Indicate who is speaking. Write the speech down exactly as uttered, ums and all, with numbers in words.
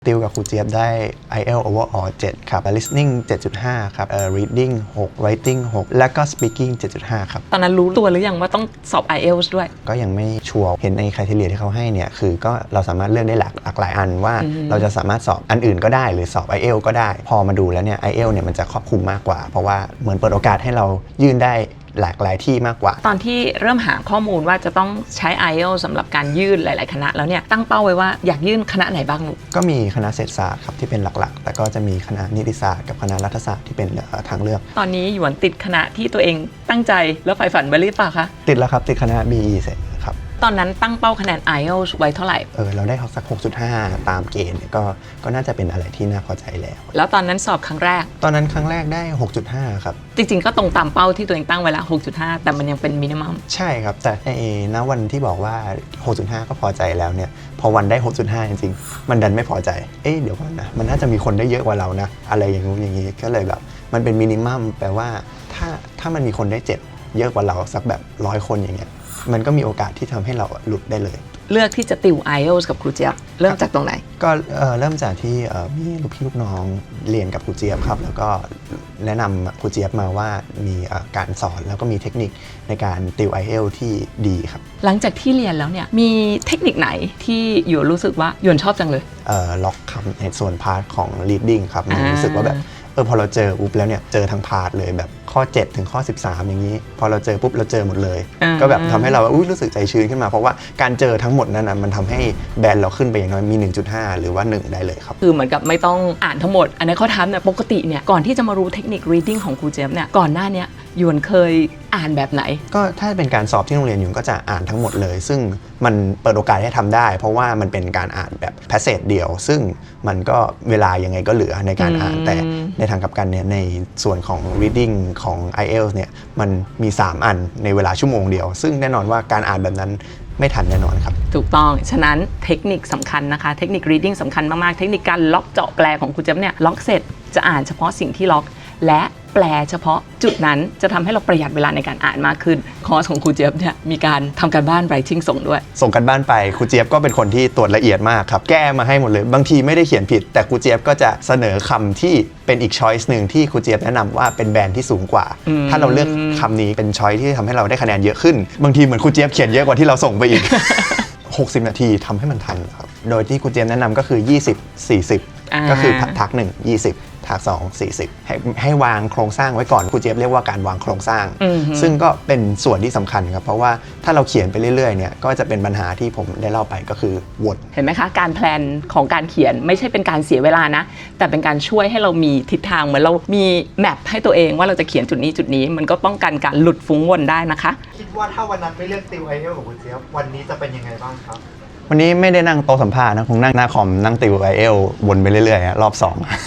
Speaker 1: ติวกับครูเจี๊ยบได้ ไอ เอล Overall เจ็ดครับ Listening เจ็ดจุดห้า ครับ Reading หก Writing หก และก็ Speaking เจ็ดจุดห้า ครับ
Speaker 2: ตอนนั้นรู้ตัวหรือยังว่าต้องสอบ ไอ เอล ด้วย
Speaker 1: ก็ยังไม่ชัวร์เห็นใน criteria ที่เขาให้เนี่ยคือก็เราสามารถเลือกได้หลากหลากหลายอันว่าเราจะสามารถสอบอันอื่นก็ได้หรือสอบ ไอ เอล ก็ได้พอมาดูแล้วเนี่ย ไอ เอล เนี่ยมันจะครอบคลุมมากกว่าเพราะว่าเหมือนเปิดโอกาสให้เรายื่นได้หลากหลายที่มากกว่า
Speaker 2: ตอนที่เริ่มหาข้อมูลว่าจะต้องใช้ ไอ เอล สำหรับการยื่นหลายๆคณะแล้วเนี่ยตั้งเป้าไว้ว่าอยากยื่นคณะไหนบ้างลูก
Speaker 1: ก็มีคณะเศรษฐศาสตร์ครับที่เป็นหลักๆแต่ก็จะมีคณะนิติศาสตร์กับคณะรัฐศาสตร์ที่เป็นทางเลือก
Speaker 2: ตอนนี้หยวนติดคณะที่ตัวเองตั้งใจแล้วใฝ่ฝันไว้หรือเปล่าคะ
Speaker 1: ติดแล้วครับติดคณะ บี อี เสร็จครับ
Speaker 2: ตอนนั้นตั้งเป้าคะแนน ไอ เอล ไว้เท่าไหร่
Speaker 1: เออเราได้สัก หกจุดห้า ตามเกณฑ์เนี่ยก็ก็น่าจะเป็นอะไรที่น่าพอใจแล้ว
Speaker 2: แล้วตอนนั้นสอบครั้งแรก
Speaker 1: ตอนนั้นครั้งแรกได้ หกจุดห้า ครับ
Speaker 2: จริงๆก็ตรงตามเป้าที่ตัวเองตั้งไว้ละ หกจุดห้า แต่มันยังเป็นมินิมัม
Speaker 1: ใช่ครับแต่ในณวันที่บอกว่า หกจุดห้า ก็พอใจแล้วเนี่ยพอวันได้ หกจุดห้า จริงๆมันดันไม่พอใจเอ๊ะเดี๋ยวก่อนนะมันน่าจะมีคนได้เยอะกว่าเรานะอะไรอย่างงู้นอย่างนี้ก็เลยแบบมันเป็นมินิมัมแปลว่าถ้าถ้ามันมีคนได้เจ็ดเยอะกว่าเราสักแบบร้อยคนอย่างเงี้ยมันก็มีโอกาสที่ทำให้เราหลุดได้เลย
Speaker 2: เลือกที่จะติว ไอ เอล กับครูเจี๊ยบเริ่มจากตรงไหน
Speaker 1: ก็เริ่มจากที่มีลูกพี่ลูกน้องเรียนกับครูเจี๊ยบครับแล้วก็แนะนำครูเจี๊ยบมาว่ามีการสอนแล้วก็มีเทคนิคในการติว ไอ เอล ที่ดีครับ
Speaker 2: หลังจากที่เรียนแล้วเนี่ยมีเทคนิคไหนที่หยวนรู้สึกว่าหยวนชอบจังเลย
Speaker 1: ล็อกคำในส่วนพาร์ทของ reading ครับมันรู้สึกว่าแบบเออพอเราเจอปุ๊บแล้วเนี่ยเจอทั้งพาร์ทเลยแบบข้อเจ็ดถึงข้อสิบสามอย่างนี้พอเราเจอปุ๊บเราเจอหมดเลยก็แบบทำให้เราอุ๊ยรู้สึกใจชื้นขึ้นมาเพราะว่าการเจอทั้งหมดนั้นนะมันทำให้แบนเราขึ้นไปอย่างน้อยมี หนึ่งจุดห้า หรือว่าหนึ่งได้เลยครับ
Speaker 2: คือเหมือนกับไม่ต้องอ่านทั้งหมดอันนี้เขาทำเนี่ยปกติเนี่ยก่อนที่จะมารู้เทคนิค reading ของครูเจฟเนี่ยก่อนหน้านี้หยวนเคยอ่านแบบไหน
Speaker 1: ก็ถ้าเป็นการสอบที่โรงเรียนหยวนก็จะอ่านทั้งหมดเลยซึ่งมันเปิดโอกาสให้ทำได้เพราะว่ามันเป็นการอ่านแบบแพสเซจเดียวซึ่งมันก็เวลายังไงก็เหลือในการอ่านแต่ในทางกลับกันเนี่ยในส่วนของ reading ของ ไอ เอล เนี่ยมันมีสามอันในเวลาชั่วโมงเดียวซึ่งแน่นอนว่าการอ่านแบบนั้นไม่ทันแน่นอนครับ
Speaker 2: ถูกต้องฉะนั้นเทคนิคสำคัญนะคะเทคนิค reading สำคัญมากๆเทคนิคการล็อกเจาะแปลของครูเจี๊ยบเนี่ยล็อกเสร็จจะอ่านเฉพาะสิ่งที่ล็อกและแปลเฉพาะจุดนั้นจะทำให้เราประหยัดเวลาในการอ่านมากขึ้นคอร์สของครูเจี๊ยบเนี่ยมีการทำการบ้าน writing ส่งด้วย
Speaker 1: ส่งกันบ้านไปครูเจี๊ยบก็เป็นคนที่ตรวจละเอียดมากครับแก้มาให้หมดเลยบางทีไม่ได้เขียนผิดแต่ครูเจี๊ยบก็จะเสนอคำที่เป็นอีก choice หนึ่งที่ครูเจี๊ยบแนะนำว่าเป็นแบรนด์ที่สูงกว่าถ้าเราเลือกคำนี้เป็น choice ที่ทำให้เราได้คะแนนเยอะขึ้นบางทีเหมือนครูเจี๊ยบเขียนเยอะกว่าที่เราส่งไปอีก หกสิบ นาทีทำให้มันทันครับโดยที่ครูเจี๊ยบแนะนำก็คือยี่สิบ สี่สิบก็คือทักหนึ่ง ยี่สิบทักสอง สี่สิบให้ให้วางโครงสร้างไว้ก่อนครูเจี๊ยบเรียกว่าการวางโครงสร้างซึ่งก็เป็นส่วนที่สำคัญครับเพราะว่าถ้าเราเขียนไปเรื่อยๆเนี่ยก็จะเป็นปัญหาที่ผมได้เล่าไปก็คือวน
Speaker 2: เห็นไหมคะการแพลนของการเขียนไม่ใช่เป็นการเสียเวลานะแต่เป็นการช่วยให้เรามีทิศทางเหมือนเรามีแมปให้ตัวเองว่าเราจะเขียนจุดนี้จุดนี้มันก็ป้องกันการหลุดฟุ้งวนได้นะคะ
Speaker 3: คิดว่าถ้าวันนั้นไม่เลือกติว ไอ เอล ของครูเจี๊ยบวันนี้จะเป็นยังไงบ้างครับ
Speaker 1: วันนี้ไม่ได้นั่งโต๊ะสัมภาษณ์นะคงนั่งหน้าคอมนั่งติว ไอ เอล วนไปเรื่อยๆรอบสอง